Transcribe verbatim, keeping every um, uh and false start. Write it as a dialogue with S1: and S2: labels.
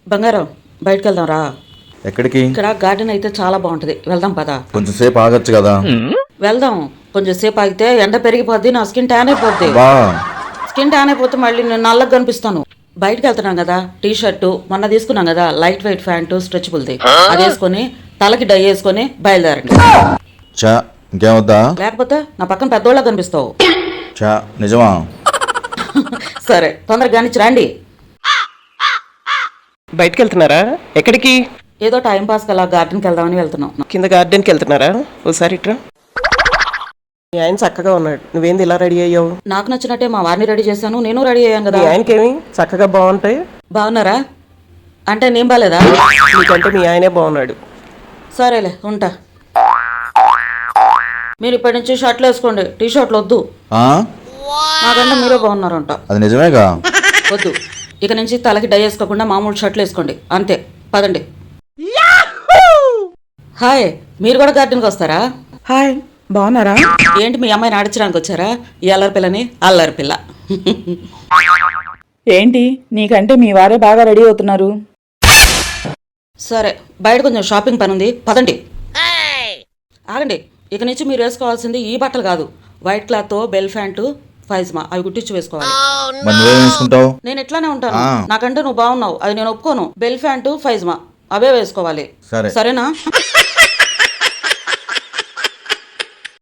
S1: బంగారం బయటకు వెళ్దాం రా.
S2: ఎక్కడికి?
S1: ఇక్కడ గార్డెన్ అయితే చాలా బాగుంటది, వెళ్దాం పదా.
S2: కొంచెం సేపు ఆగొచ్చు కదా.
S1: వెళ్దాం, కొంచెం సేపు ఆగితే ఎండ పెరిగిపోద్ది, నా స్కిన్ ట్యాన్ అయిపోద్ది.
S2: బా
S1: స్కిన్ ట్యాన్ అయిపోతే మళ్ళీ నేను నల్లగా కనిపిస్తాను. బయటకు వెళ్తున్నాం కదా, టీ షర్టు మొన్న తీసుకున్నాం కదా, లైట్ వెయిట్ ప్యాంటు స్ట్రెచబుల్ది, అది వేసుకొని తలకి డై వేసుకొని బయలుదేరండి.
S2: చా ఇంకేమొద్దా?
S1: లేకపోతే నా పక్కన పెద్దోళ్ళ కనిపిస్తావు.
S2: చా నిజమా?
S1: సరే తొందరగా కానిచ్చి రండి.
S3: బయటకు వెళ్తున్నారా? ఎక్కడికి?
S1: ఏదో టైం పాస్ అలా గార్డెన్కి వెళ్దామని వెళ్తున్నాం.
S3: కింద గార్డెన్కి వెళ్తున్నారా? ఓసారి ఇట్రా. మీ ఆయన చక్కగా ఉన్నాడు, నువ్వేంది ఇలా రెడీ అయ్యావు?
S1: నాకు నచ్చినట్టే మా వారిని రెడీ చేశాను, నేను రెడీ అయ్యాను కదా.
S3: మీ ఆయనకేమి చక్కగా బాగుంటాయి.
S1: బాగున్నారా అంటే నేను బాలేదా?
S3: నీకంటే మీ ఆయనే బాగున్నాడు.
S1: సరేలే ఉంటా. మీరు ఇప్పటి నుంచి షర్ట్లు వేసుకోండి, టీ షర్ట్లు వద్దు.
S2: ఆ?
S1: నాకంటే మీరే బాగున్నారంట.
S2: అది నిజమేగా?
S1: వద్దు, ఇక నుంచి తలకి డై వేసుకోకుండా మామూలు షర్ట్లు వేసుకోండి అంతే. పదండి. హాయ్, మీరు కూడా గార్డెన్కి వస్తారా?
S4: హాయ్, బాగున్నారా?
S1: ఏంటి మీ అమ్మాయిని ఆడించడానికి వచ్చారా? ఈ అల్లరి పిల్లని అల్లరి పిల్ల.
S4: ఏంటి నీకంటే మీ వారే బాగా రెడీ అవుతున్నారు.
S1: సరే బయట కొంచెం షాపింగ్ పని ఉంది, పదండి. ఆగండి, ఇక నుంచి మీరు వేసుకోవాల్సింది ఈ బట్టలు కాదు, వైట్ క్లాత్ తో బెల్ ప్యాంటు పైజమా అవి కుట్టించి వేసుకోవాలి.
S2: మరి నువ్వేం వేసుకుంటావు?
S1: నేను ఎట్లానే ఉంటాను,
S2: ఆ.
S1: నాకంటే నువ్వు బాగున్నావు, అది నేను ఒప్పుకోను. బెల్ ప్యాంటు పైజమా అవే వేసుకోవాలి,
S2: సరే.
S1: సరేనా?